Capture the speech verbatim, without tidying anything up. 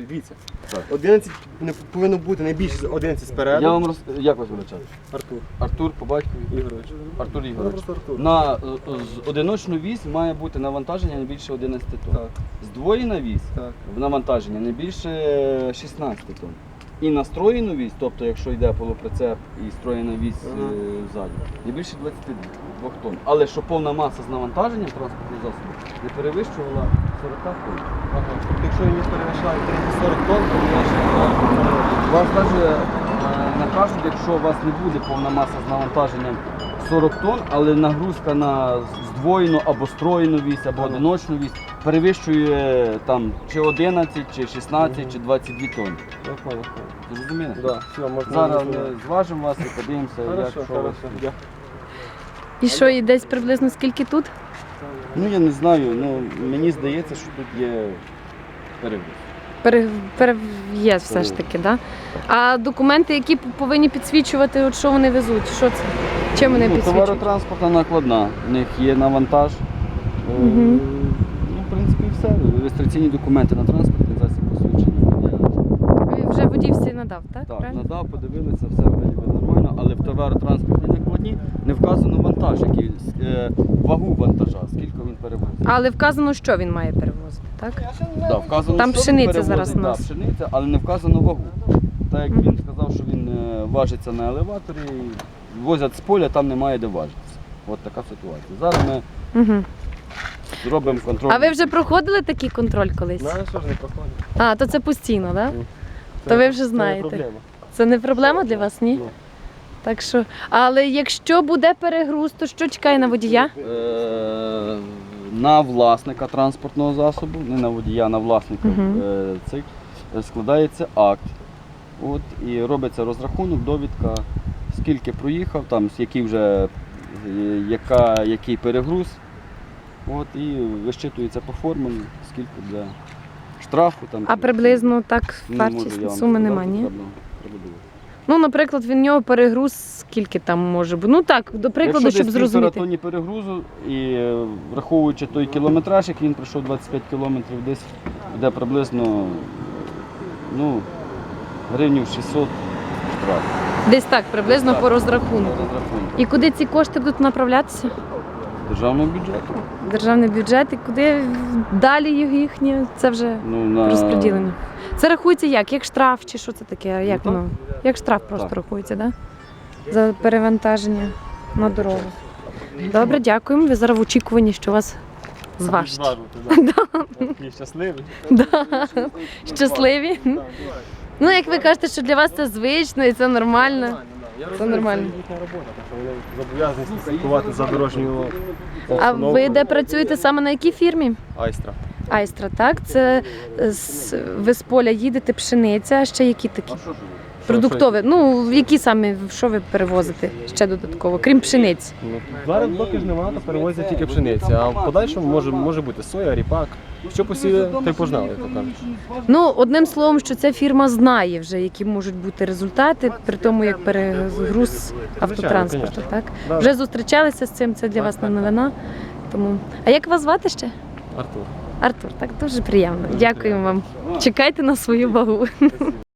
Дивіться, Так. одинадцять не повинно бути найбільше з одинадцять спереду. Я вам роз... Як вас величати? Артур Артур по батькові. Ігорович. Артур Ну, Ігорович. просто Артур. На е, з одиночну вісь має бути навантаження не більше одинадцяти тонн. Так, Здвоєна вісь так. в навантаження не більше шістнадцяти тонн. І настроєну вісь, тобто якщо йде полуприцеп і строєна вісь Ага. е, ззаді, не більше двадцяти двох тонн. Але щоб повна маса з навантаженням транспортного засобу не перевищувала сорок тонн. Ага. Тобто, якщо він перевищає сорок тонн, то значить Вам каже, е, накажуть, якщо у вас не буде повна маса з навантаженням сорок тонн, але нагрузка на здвоєну або строєну вісь, або Ага. одиночну вісь перевищує там чи одинадцять, чи шістнадцять, Мгм. чи двадцять дві тонни. я понял. Зрозуміли? Да, все, можна. Зараз не ми зважимо вас і подивимося, як Хорошо, що у вас. хорошо. Я- І що, і десь приблизно скільки тут? Ну я не знаю, ну мені здається, що тут є перевіз. Пере, переїзд все ж таки, да? А документи, які повинні підсвічувати, от що вони везуть? Що це? Чим вони Ну, підсвічують? товаротранспортна накладна, в них є навантаж. Е, Мгм. Ну, в принципі, і все. Реєстраційні документи на транспортний засіб посвідчення. Вже водій всі надав, так? Так, Правильно? надав, подивилися, все вроді би нормально, але в товаротранспортній накладні не вказано вантаж, який, е, вагу вантажа, скільки він перевозить. Але вказано, що він має перевозити, так? Да, вказано, Там що пшениця перевозить, зараз у нас. Да, пшениця, але не вказано вагу. Так як Мгм. він сказав, що він е, важиться на елеваторі, возять з поля, там немає де важитися. От така ситуація. Зараз ми Угу. зробимо контроль. А ви вже проходили такий контроль колись? Знаєш, що ж не проходить? А, то це постійно, так? Да? Ну, То ви вже це не знаєте. проблема. Це не проблема для вас, ні? Ну. Так що, але якщо буде перегруз, то що чекає на водія? Е, на власника транспортного засобу, не на водія, а на власника Мгм. е, цих, е, складається акт. От, і робиться розрахунок, довідка, скільки проїхав, там, з який вже е, яка, який перегруз. От, і вищитується по формулі, скільки для штрафу. Там, А чи- приблизно так не можу я вартісні вам суми сказати, нема, ні? треба- треба дивитися. Ну, наприклад, в нього перегруз скільки там може бути? Ну так, до прикладу, Якщо щоб десь півтора зрозуміти. тонні перегрузу і е, враховуючи той кілометраж, який він пройшов двадцять п'ять кілометрів, десь буде приблизно ну, гривнів шістсот штраф. Десь так, приблизно Так. по розрахунку. Розрахунок. І куди ці кошти будуть направлятися? Державного бюджету. Державний бюджет, і куди далі їхні? Це вже Ну, на... розподілення. Це рахується як? Як штраф чи що це таке? Як так. воно? Як штраф просто Так. рахується, так? Да? За перевантаження на дорогу. Добре, дякуємо. Ви зараз в очікуванні, що вас зважать. Зважувати, да. Такий щасливий. Да. Щасливі. Ну, як ви кажете, що для вас це звично і це нормально. Я Це розумію, нормально. Це їхня робота, так що вони зобов'язані слідкувати за дорожньою А обстановкою. ви де працюєте саме на якій фірмі? Айстра. Айстра, так? Це з, ви з поля їдете, пшениця, а ще які такі? Продуктові. Ну, які саме, що ви перевозите ще додатково, крім пшениці? Ну, зараз поки ж немає, то перевозять тільки пшениця, а в подальшому може, може бути соя, ріпак. Що посіє, то й пожнали, як то кажуть. Ну, одним словом, що ця фірма знає вже, які можуть бути результати при тому, як перегруз автотранспорту, звісно. так? Да. Вже зустрічалися з цим, це для Так, вас не так, новина. Тому... А як вас звати ще? Артур. Артур, так дуже приємно. Дуже Дякуємо вам. Чекайте на свою вагу.